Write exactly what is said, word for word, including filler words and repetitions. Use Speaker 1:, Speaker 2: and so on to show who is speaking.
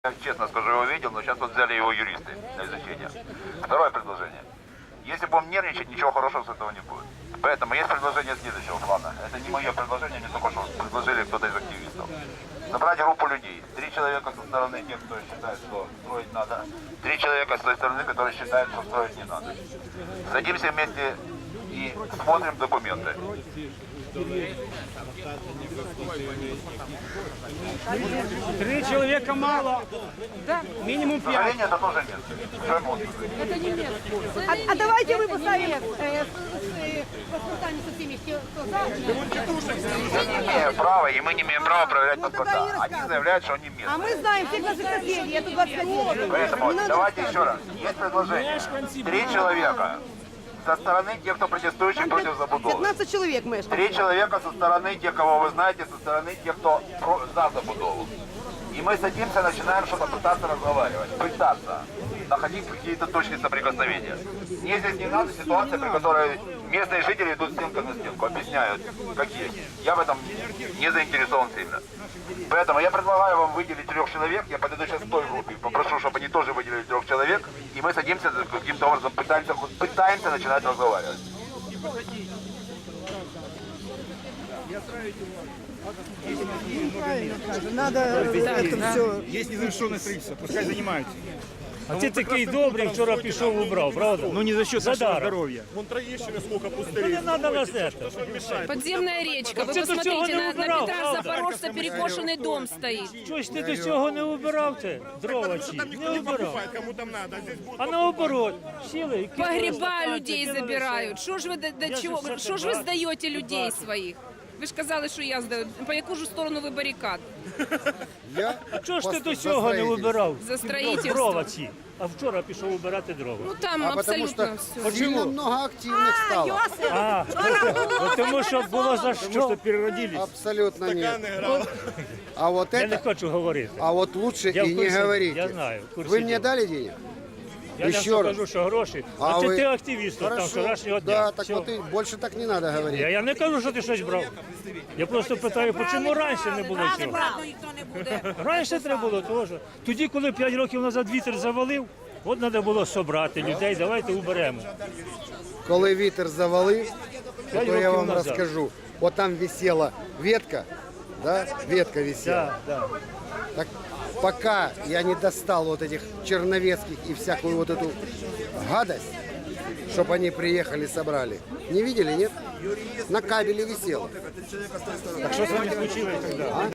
Speaker 1: Я честно скажу, его видел, но сейчас вот взяли его юристы на изучение. Второе предложение. Если будем нервничать, ничего хорошего с этого не будет. Поэтому есть предложение следующего плана. Это не мое предложение, не только что предложили кто-то из активистов. Собрать группу людей. Три человека со стороны тех, кто считает, что строить надо. Три человека с той стороны, которые считают, что строить не надо. Садимся вместе и смотрим документы.
Speaker 2: Три человека мало. Да, минимум пять.
Speaker 1: Сожаления это тоже нет. Уже можно.
Speaker 3: Это не место.
Speaker 4: А, а давайте мы поставим э, с, с, э, паспортами со всеми, кто за.
Speaker 1: Мы не имеем права, и мы не имеем права проверять
Speaker 4: Ну, тогда
Speaker 1: паспорта.
Speaker 4: и
Speaker 1: Они
Speaker 4: рассказывай.
Speaker 1: заявляют, что они местные.
Speaker 4: А мы знаем всех наших соседей, это двадцать пять лет.
Speaker 1: Поэтому
Speaker 4: Не надо
Speaker 1: давайте
Speaker 4: рассказывать.
Speaker 1: еще раз. Есть предложение. Три человека со стороны тех, кто протестующих против забудовы.
Speaker 4: пятнадцать человек мы.
Speaker 1: Три человека со стороны тех, кого вы знаете, со стороны тех, кто про- за забудову. И мы садимся, начинаем что-то пытаться разговаривать, пытаться находить какие-то точки соприкосновения. Мне здесь не надо ситуация, при которой местные жители идут стенка на стенку, объясняют, какие. Я в этом не заинтересован сильно. Поэтому я предлагаю вам выделить трех человек, я подойду сейчас к той группе, попрошу, чтобы они тоже выделили трех человек, и мы садимся, каким-то образом пытаемся, пытаемся начинать разговаривать.
Speaker 4: Надо это все.
Speaker 2: Є незавершене строительство, пускай займаються.
Speaker 5: А ти такий добрий, вчора пішов убрав, правда?
Speaker 2: Ну не за счет нашего
Speaker 5: Задаром.
Speaker 2: здоровья.
Speaker 5: Ну не треба нас це.
Speaker 3: Подземная речка. Вы
Speaker 5: Це до цього
Speaker 3: посмотрите,
Speaker 5: не
Speaker 3: на, на
Speaker 5: убирав,
Speaker 3: Петра
Speaker 5: правда?
Speaker 3: Запорожца перекошенный дом стоит.
Speaker 5: Чогось ти до цього не убирав це? Дрова ці? Не убирав. А наоборот, сіли і кинули
Speaker 3: Погреба
Speaker 5: стаканці,
Speaker 3: людей
Speaker 5: кинули
Speaker 3: забирают. Что ж вы до, до
Speaker 5: Я же
Speaker 3: чего?
Speaker 5: все
Speaker 3: Что ж вы
Speaker 5: бачу.
Speaker 3: сдаете людей своих? Ви ж казали, що я здаю. По яку ж сторону ви барикад?
Speaker 6: Я
Speaker 5: А чого ж ти
Speaker 6: пос-
Speaker 5: до
Speaker 6: за
Speaker 5: цього не
Speaker 6: строительство.
Speaker 5: убирав?
Speaker 3: За строительство.
Speaker 5: Дрова ці. А вчора пішов убирати дрова.
Speaker 3: Ну там
Speaker 6: А потому что
Speaker 3: абсолютно все.
Speaker 6: сильно много активных стало.
Speaker 5: А, ну, тому що було за що.
Speaker 2: Переродились.
Speaker 6: Абсолютно нет. А вот
Speaker 5: Я не
Speaker 6: это,
Speaker 5: хочу говорити.
Speaker 6: а вот лучше
Speaker 5: Я в
Speaker 6: и не
Speaker 5: курсе,
Speaker 6: говорите.
Speaker 5: я знаю, в курсе
Speaker 6: Вы мне
Speaker 5: дела.
Speaker 6: дали денег?
Speaker 5: Я не
Speaker 6: Еще раз.
Speaker 5: скажу, що гроші.
Speaker 6: А
Speaker 5: А, це
Speaker 6: ви-
Speaker 5: ти активіст там
Speaker 6: Хорошо.
Speaker 5: вчорашнього дня.
Speaker 6: Да, так
Speaker 5: Все.
Speaker 6: вот и больше так не надо говорить.
Speaker 5: Я, я не кажу, що ти щось брав. Я просто питаю, чому раніше не було цього? Раніше треба було теж. Тоді, коли п'ять років назад вітер завалив, от треба було собрати людей, давайте уберемо.
Speaker 6: Коли вітер завалив,
Speaker 5: П'ять
Speaker 6: то я
Speaker 5: років
Speaker 6: вам
Speaker 5: назад.
Speaker 6: расскажу. Вот там висела ветка, да, ветка висела.
Speaker 5: Да, да.
Speaker 6: Так пока я не достал вот этих черновецких и всякую вот эту гадость, чтобы они приехали, собрали. Не видели, нет? На кабеле висело.
Speaker 5: Так що з вами случилось тоді?